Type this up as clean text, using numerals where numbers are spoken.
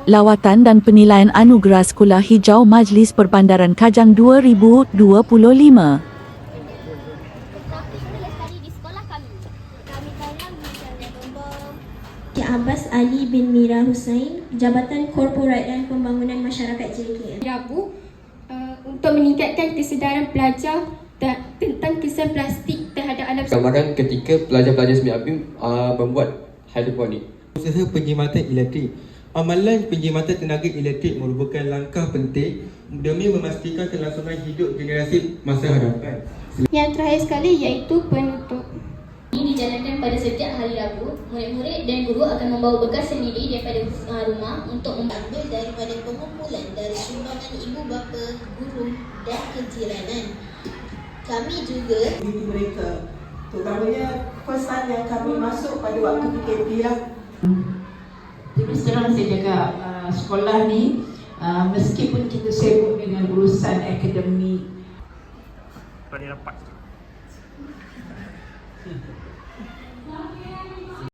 Lawatan dan Penilaian Anugerah Sekolah Hijau Majlis Perbandaran Kajang 2025. Encik Abbas Ali bin Mira Hussain, Jabatan Korporat dan Pembangunan Masyarakat JKL. Rabu untuk meningkatkan kesedaran pelajar tentang kesan plastik terhadap alam semesta. Gambarkan ketika pelajar-pelajar SME ABIM membuat hidroponik. Usaha penjimatan elektrik. Amalan penjimatan tenaga elektrik merupakan langkah penting demi memastikan kelangsungan hidup generasi masa hadapan. Yang terakhir sekali iaitu penutup. Ini dijalankan pada setiap hari Rabu. Murid-murid dan guru akan membawa bekal sendiri daripada rumah untuk mengambil daripada pengumpulan dari sumbangan ibu bapa, guru dan kejiranan. Kami juga mereka, terutamanya pesan yang kami masuk pada waktu PKP lah. Terus terang saya jaga sekolah ni, meskipun kita sibuk dengan urusan akademik. Pada rapat.